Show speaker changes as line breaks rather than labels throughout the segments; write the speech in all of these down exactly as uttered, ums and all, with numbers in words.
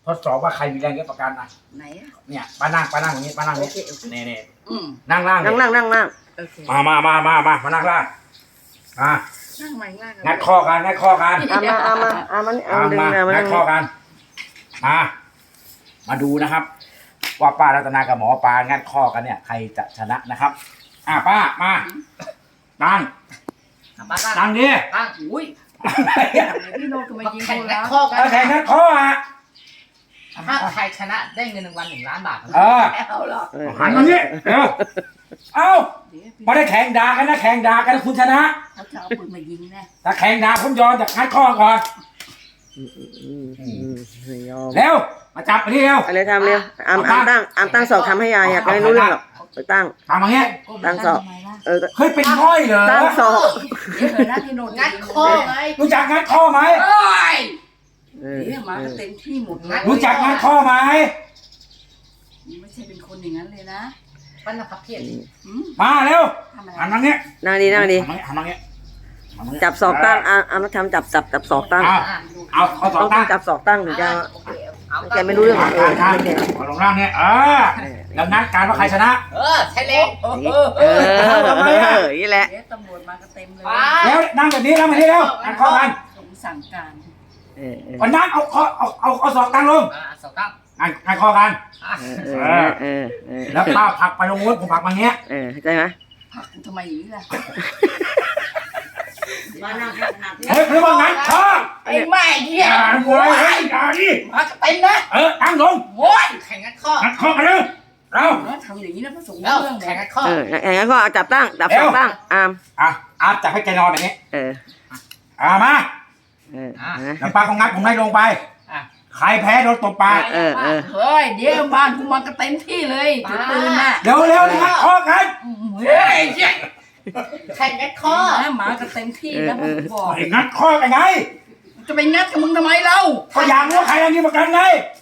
ทดสอบว่าใครมีแรงเยอะกว่ากันอ่ะไหนเนี่ยป้านั่งป้านั่งอย่างนี้ป้านั่งนี่นี่นี่นั่งล่าง
นั่งนั่งนั่งนั่ง
มามามามามามานั่งล่างอ่ะนั่งใหม่ล่างงัดข้อกันงัดข้อกัน
เอามาเอามาเอามาเอาดึง
มา
นะมา
งั
นั่
ด
ง
ข้อกันมามาดูนะครับ ว่าป้ารัตนากับหมอปลางัดข้อกันเนี่ยใครจะชนะนะครับอ่ะป้ามาตั้งตั้งดิ
ตั้งอุ้ยพี่โน้ตทำไมยิง
แข่ง
กู
นั
แล้
ก
ว
ข้อกัน
เออแข่งงัดข้ออ่ะ
ถ้าใครชนะได้เงินรางวัลหนึ่งล้านบาท
เออ
เอาหรอ
หันมานี่เร็วเอ้าไม่ได้แข่งด่ากันนะแข่งด่ากันคุณชนะ
เขาจะเอาปืนมายิงแน่
ถ้าแข่งด่าผมยอมจากงัดข้อก่อน
ยอม
เร็วมาจับไปที่เร็ว
อะไรทำเร็วอามอามตั้งอามตั้งศอกทำให้ยายอยากไม่รู้เรื่องหรอกไปตั้ง
ทำอย่างเงี้ย
ตั้งศอกเออ
เฮ้ยเป็นง่อยเหรอ
ตั้งศอก
เดี๋ยวเถอะนะพี่โน้ต
งัดข้อไง
รู้จักงัดข้อไหม
เอ้ย
เออ
เดี๋ยวมาก็เต็มที่หมดนะ
รู้จักงัดข้อไหม
ไม่ใช่เป็นคนอย่างนั้นเลยนะ
ปั้นนะครับเพียร
มาเร็ว
ทำอะไร
หันมาเงี้ย
นั่งดีนั่งดี
หันมาเงี้ย
จับศอกตั้งอามอามทำจับจับจับศอกตั้ง
เอาเอาเอาสอ
ต้อง ง
ตั้ง
จับศอกตั้งถึงจะ
เอา
แกไม่รู้เรื่อง
เอา
เออ
ทาง
ไม่แก
เอาลงล่างเนี่ยเออแล้วนัดการว่าใครชนะ
เออใช่เลย
เออเออนี่แหละ
เดี๋ยวตำรวจมาก็เต็มเลย
แล้วนั่งแบบนี้แล้วมาที่เร็วงัดข้อกัน
ผมสั่งการ
เออเออ
วันนั้นเอาข้อเอาเอาเอาสองตั้งลง
อ่าสองตั้ง
งัดงัดข้อกัน
เออเออเออ
แล้วป้าผลักไปลงนู้นผมผลักมาเงี้ย
เออเข้าใจไหม
พักกูทำไมอย่างนี้ล่ะ
เฮ้ยเรียกว่างัดข้อ
ไอ้แม่เหี้ย
อย่าโวยเฮ้ยอย่าดิ
มาก็เต็มนะ
เออตั้งลง
โว้ยแข่งงัดข้อ
งัดข้อกันเร็วเรา
แล้วทำอย่างนี้นะพระสงฆ์
แล้ว
เรื่อง
แข่ง
เลย
งัดข้อ
เอออย่างนั้นก็จับตั้งจับศอกตั้งอาม
อ่ะอาจับให้แกนอนแบบนี้
เออ
อ่ามา
เออ
แล้วป้าก็งัดผมให้ลงไป
อ่ะ
ใครแพ้โดนตบปาก
เออเออ
เฮ้ยเดี๋ยวบ้านกูมาก็เต็มที่เลยถือปืนน่ะ
เร็วเร็วงัดข้อกัน
เฮ้ย
แข่งงัดข้อ
นะหมาก็เต็มที่แล้วผมบอก
ไอ้งัดข้อกันไง
จะไปงัดกับมึงทำไมเล่า
ก็อยากรู้ว่าใครอันนี้ประกันไง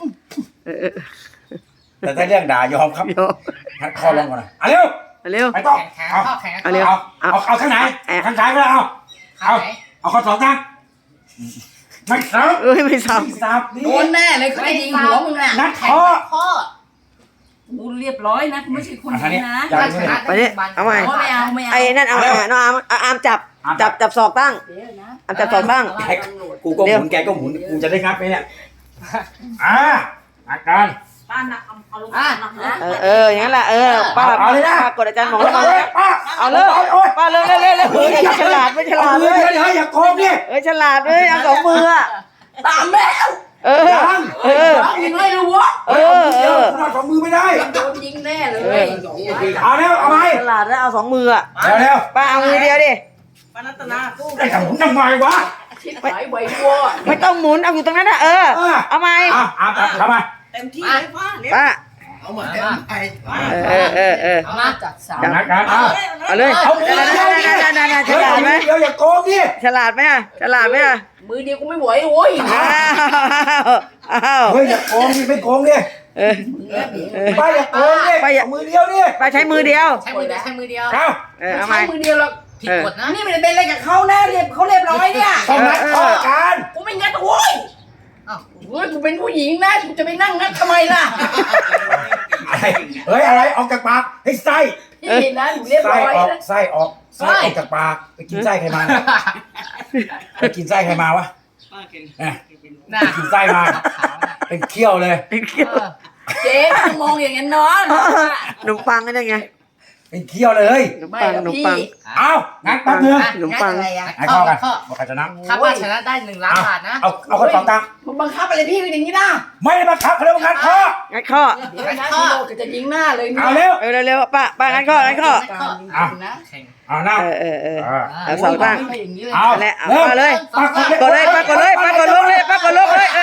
แต่ถ้าเรื่องด่ายอมครับ
โย
งัดข้อลงก่อนนะเอาเร็ว
เร็ว
ไปต่อ
แข่ง
เอา
ข้อแข่งงัด
เอา
ข้
เร็ว
อ
เอาเอาเอาข้างไหนข้างซ้ายก็ได้เอา
ข้างไหน
เอาข้อสองตั้งไม่ซับ
เอ้ยไม่ซ้ำ
ไม่ซับนี่
โดนแน่เลยเขาจะยิงหัวมึงน่ะ
งัด
แข่ง
ข้อ
งัดข้อ
กูเรียบร้อยนะกูไม่ใช่คน
อันนี้
นี้นะ
อย่า
ถ้าชนะได้หนึ่งล้าน
เอาไม่เอาไม่เอา
ไอ้นั่นเอาเอาน้องอามเอาอามจับจับจับศอกตั้ง
เดี๋ยวนะ
อามจับศอกตั้ง
แกกูก็หมุนแกก็หมุนกูจะได้งัดไหมเนี่ยอ่าอาการ
ป้าหนักเอาเอาลง
อ่ะ
เออเอออย่างนั้นแหละเออป้า
เอาเลยนะ
ป้ากดอาจารย์หมอ
เอา
มา
เลยป้า
เอาเลยป้าเลยเลยเลยเลยเฮ้ยฉลาดไม่ฉลาด
เล
เลย ย
เดี๋ยวอย่าโกงดิ
เอ้ยฉลาดเลยเอาสองมืออะ
ตามแม่
เออเออ
ยิงไม่รู้วะ
เออเออ
คุณเอาสองมือไม่ได้
โดนยิงแน่เลย
เอาเร็วเอาไหม
ฉลาดแล้วเอาสองมืออะ
เร็วเร็ว
ป้าเอามือเดียวดิ
ปานัตนากู้
ไอ้ทำผมทำไมวะ
ชิบหายไววัว
ไม่ต้องหมุนเอาอยู่ตรงนั้นนะเออเอาไหม
อ่ะอ่ะทำไม
เต็มที่เลยป้า
ป้า
เอามาเอามา
เออเออเออ
เอามา
จัดสรร
จังนัดกันเอา
เอาเลย
เอามือ
นั่น
เดียวดิ
นั่นนั่นนั่นฉ
เฮ้ย
ลาดไหม
เดียวอย่าโกงดิ
ฉลาดไหมอะฉลาดไหมอะ
มือเดียวกูไม่ไหวโว้ย
อ้าวอ้าว
เฮ้ยอย่าโกงดิไม่โกงดิ
เออเออ
ป้าอย่าโกงดิป้าอย่ามือเดียวดิ
ป้าใช้มือเดียว
ใช้มือเดียวใช้มือเดียว
เอา
เออเอาไหม
ใช้มือเดียวหรอก
ผิดกฎนะ
นี่ไม่ได้เป็นอะไรกับเขานะเรียบเขาเรียบร้อยเนี่ย
ต้องนัดข้อกัน
กูไม่งัดโว้ย
อ้าว
โว้ยกูเป็นผู้หญิงนะกูจะไปนั่งงัดทำไมล่ะ
อะไรเฮ้ยอะไรออกจากปากให้ไส้
พี่นะหนูเรียบ
ไส้
ร้อย
ออก
นะ
ไส้ออกไส้ออกจากปากไปกินไส้ใครมาไปกินไส้ใครมาวะเนี่ย
น่า
กินไส้มาเป็นเขี้ยวเลย
เป็นเขี้ยว
เออ
เจ๊มองอย่างนั้นนอน
ขนมปังก็ได้ไง
เป็นเขี้ยวเลย
ขนมปังขนมปัง
เอางั้นแป๊บนึง
ขนมปัง
อะไรอ่ะ
ให้ข้อกันบอกใครชนะ
ถ้าว่าชนะได้หนึ่งล้านบาทนะ
เอาเอาคนสองตังค์
มึงบังคับอะไรพี่เป็นอย่างนี้นะ
ไม่ได้บังคับเขาเรียกว่างัดข้อ
งัดข้อ
เดี๋ยวนะพี่โลกจะยิงหน้าเลย
เอาเร็ว
เออเร็วๆป้าป้างัดข้องัดข้อ
นะ
แข่ง
เอาหน้า
เออเออเออ
เอา
เอาสองตั้ง
อย่างนี้เลย
เอา
แหละเอา
เร็ว
มาเลย
ปาก
กดเลยป้ากดเลยป้ากดลงเลยป้ากดลงเลย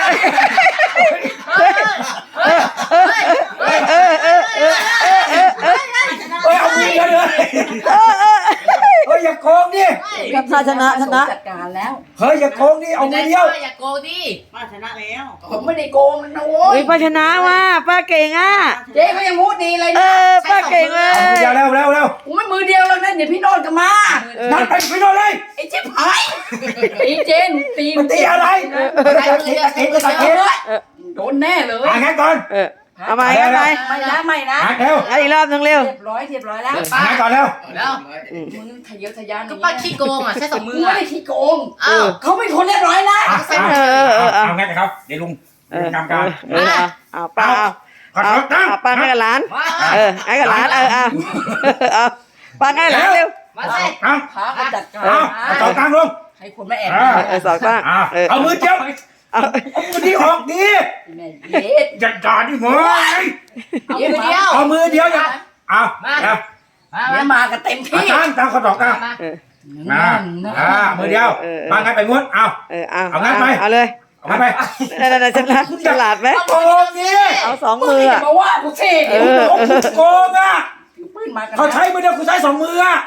เออเออเออเออเออเออเออ
เฮ้ยเอามือเดียวเลยเฮ้ยอย่าโกงดิ
กับชาชนะชนะ
จัดการแล้ว
เฮ้ยอย่าโกงดิเอามือเดียว
อย่าโกงดิ
ป้าชนะแล้ว
ผมไม่ได้โกงนะโว้
เฮ้
ย
ยป้าชนะว่ะป้าเก่งอ่ะ
เจ๊ก็ยังพูดดีเลย
เอ
นะ
อป้าเก่งเล
เอามือย เดียวเร็วเร็วเร็ว
กูไม่มือเดียวแล้วนะเดี๋ยวพี่โนดก็มา
นั่นไปไปโน่นเลย
ไอ้เจ๊ผายตีเจนตี
มันตีอะไรตะเกียบตะเกียบตะเกียบ
โดนแน่เลย
อ่ะงั้นก่อน
เออเอาไปเอาไป
ไม่นะไม่นะ
อ่ะเร็ว
เอาอีกรอบนึงเร็ว
เรียบร้อยเรียบร้อยแล้ว
อ่ะงั้นก่อนเร็ว
แล้ว
มึงทะเยอทะยาน
ก็ป้าขี้โกงอ่ะใช้สองมื
มึ
อง
ไม่
อ่ะ
ได้ขี้โกง
อ้าว
เขาเป็นคนเรียบร้อยนะ
อ่ะ
เออเออเออ
เอางั้นนะครับเดี๋ยวลุง
เอ
ลุ
อง
ทำการ
เออเอาเอาป้าเอา
ขอ
เอา
โทษนะ
เอาป้าให้กับหลาน
มา
เออให้กับหลานเออเอาเอาป้าให้กับหลานเร็ว
มาสิ
เอา
พาไปจัดการ
เอาเอาต่อตังค์ลง
ให้คนมาแอบ
อ่า
เออสองป้า
อ่ะ
เออ
เอามือเดียว
เอา
เอามือที่ออกดี
แม่เย็ด
อย่าจ่าดิหมอ
เอามือเดียว
เอามือเดียวอย่าเอา
มา
เอา
มา
เดี๋ยว
มา
มากันเต็ม
เอา
ที่
ตั้งตั้งข้อต่อตั้ง
มา
เออ
อ่าอ่ามือเดียวมางั้นไปงวดเอา
เออเอา
เอางั้นไป
เอาเลย
เอางั้นไป
นั่นนั่นฉลาดฉลาดไหม
โกงนี่
เอาสอง
มึง
มือ
อย่า
อ่ะ
มาว่ากูสิ
เอ
เดี๋ยว
อ
โกงโกงอ่ะ
ถือปืนมากันนะ
เขาใช้มือเดียวคุณใช้สองมืออ่ะ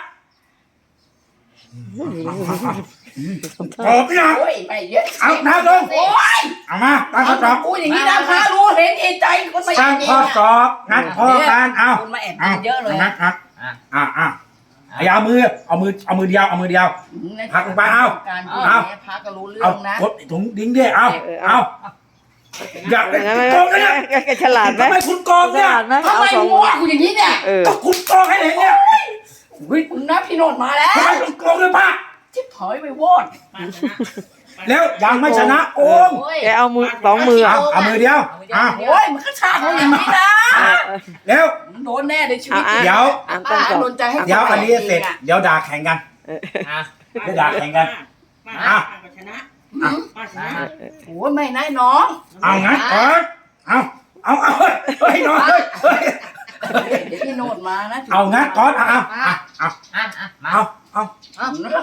โกงพี่นะ
โอ้ยไม่เย็ด
เอาน้ำลง
โอ้ย
เอามาตั้งข้อสอบ
กูอย่างนี้นะพารู้เห็นเอนใจคนมาอ
ตั้
ย่าง งนี้
ข้อสอบงัดข้อกันเอา
คนมาแอบ
เอา
เยอะเลย
งัดงัดอ่าอ่าอย่าเอามือเอามือเอามือเดียวเอามือเดียว พักลงไปเอา
การ
เอา
พักก็รู้เรื่
เอา
องนะ
กดถุงดิ้งดิเอาเอาอย่าไป
งั้นไม่
โกงนะเนี่ย
แกฉลาดไหม
ทำไมคุณโกง
ฉ
เนี่ย
ลาดไหม
ทำ
เอา
ไม
สอง
มึงว่ากูอย่างนี้เนี่ย
เออ
ก็คุณโกงให้เห็นเนี่ย
เฮ้ยมึงนะพี่โนดมาแล้ว
ทำไมคุณโกงเลยป้า
ชิบถอยไปวอด
ป้าชนะ
แล้วยังไม่ชนะโกง
โอ้ย
แกเอามือสองมือ
เอา
อ่ะ
เอามือเดียวเอา
โอ้ยมันก็ชาเขาอย่างนี้นะ
แล้ว
มึงโดนแน่ในชีวิต
อ่ะ
เดี๋ยว
อ่าน
ป้า
ต้นก่อน
โดนใจให้
เดี๋ยวอันนี้เสร็จเดี๋ยวด่าแข่งกัน
อ่ะ
เดี๋ยวด่าแข่งกัน
ป้า
อ่ะ
ป้าชนะป้าชนะ
โอ้ยไม่นายน้อง
เอางั้นก่อนเอาเอาเอาเฮ้ยน้องเฮ้ยเฮ้ย
เดี๋ยวพี่โนดมานะ
เอางั้นก่อนเอาเอาเอาเอา
อ่ะอ่ะมา
เอาเอา
เอา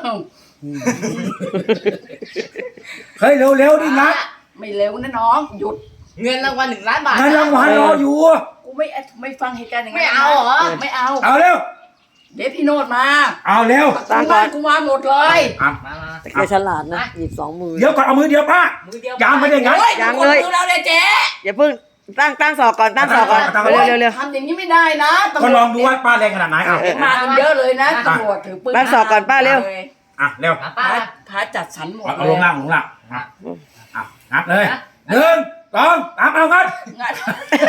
เฮ้ยเร็วๆดินะ
ไม่เร็วนะน้องหยุด
เงินรางวัลหนึ่งล้านบาท
งานรางวัลรออยู่
กูไม่ไม่ฟังเหตุการณ์อย่าง
ไม่
นั้น
เอาเหรอ
ไม่เอา
เอาเร็ว
เดี๋ยวพี่โนดมา
เอาเร็ว
ตั้งก่
บ้า
อน
นกูมาหมดเลย
อ่ะ
มามา
แต่แกฉลาดนะหยิบสองมือ
เดี๋ยวก่อนเอามือเดียวป้า
มือเดียว
ยังไม่ได้งั้น
โอ้ย
ยัง
กด
เลย
มือเราเนี่ยเจ๊
อย่าเพิ่งตั้งตั้งศอกก่อนตั้งศอกก่อน
ตั้งศอก
เร็วเร็วเร็ว
ทำอย่างนี้ไม่ได้นะตำร
ก็
วจ
ลองดูว่าป้าแรงขนาดไหนเอา
เออ
มากันเยอะเลยนะตำรวจถือปืน
ตั้งศอกก่อนป้าเร็ว
อ่ะเร็ว
มา
พา
ป้า
พาจัดสรรหมด
เอา
เล
ล
ย
งล่างลงล่างอ่ะอ่ะงัดเลยหนึ่งสองสามเอางัด
งัด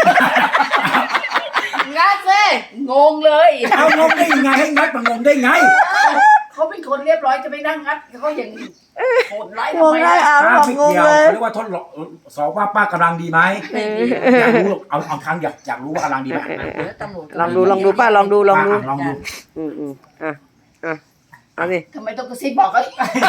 งัดสิ
งงเลย
เอางงได้ยังไงให้งัดมันงงได้ไง
เขาเป็นคนเรียบร้อยจะไปนั่งงัดเขาอย่างโหดร้าย
ง
ทำ
ง
ไม
ได้
ล่ะ
อ่ะ
ป้า
บอก
ไม่
งง
เกี่ยว
เลย
เรียกว่าทดลองสอบว่าป้ากำลังดีไหม
ไม่ดี
อยากรู้เอาเอาครั้งอยากอยากรู้ว่ากำลังดีไหม
แล้วตำรวจ
ลองดูลองดูป้าลองดูลองดู
ะลองดู
อืมอืมอ่ะอ่ะเอาสิ
ทำไมต้องกระซิบบอกเขา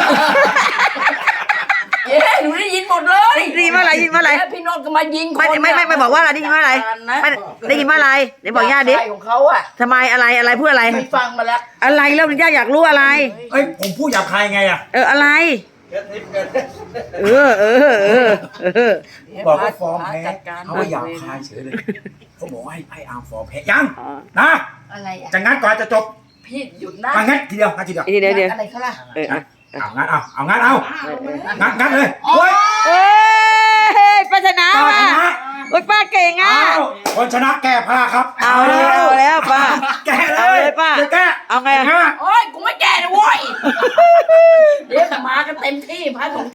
เย้หนูได้ยินหมดเลย
ได้ยินว่าอะไรได้ยินว่าอะไร
แล้วพี่โนนท์ก็มายิงคน
ไม่ไม่ไม่ไม่บอกว่าอะไรได้ยินว่าอะไร
นะ
ไม่ได้ยินว่าอะไรไหนบอกย่าดิ
ฝ่ยของเขาอะ
ทำไมอะไรอะไรพูดอะไร
ไม่ฟังมาแล้ว
อะไรแล้วย่าอยากรู้อะไร
เอ้ยผมพูดหยาบคายไงอ่ะ
เอออะไร เออเออเออเออ
บอกว่าฟ้องแพ้
จัดการ
เขาว่าหยาบคายเฉยเลยเขาบอกว่าให้ให้อาร์มฟ้องแพ้ยัง
อ๋อ
นะ
อะไรอะ
จะงัดก่อนจะจบ
พี่หยุดนะ
มางัดทีเดียวงัดทีเดียว
เดี๋ยวเดี๋ยว
อะไรเขาล่ะ
เอออ่ะ
เอางัดเอาเอางัดเอา
ป้าลงมาแล้ว
งัดงัดเลยโอ้ย
เอ้ยป้าชนะ
ป้า
ว่ะ
ชนะ
โอ้ยป้าเก่งอ่ะ
เอาคนชนะแก้ผ้าครับ
เอาแล้วเอาแล้วป้า
แก้เล
เอา
ย
เลยป้า
จะแก้
เอาไงอะ
งัด
โอ้ยกูไม่แก่นะโว้ยเดี๋ยวมากันเต็มที่พระสงฆ์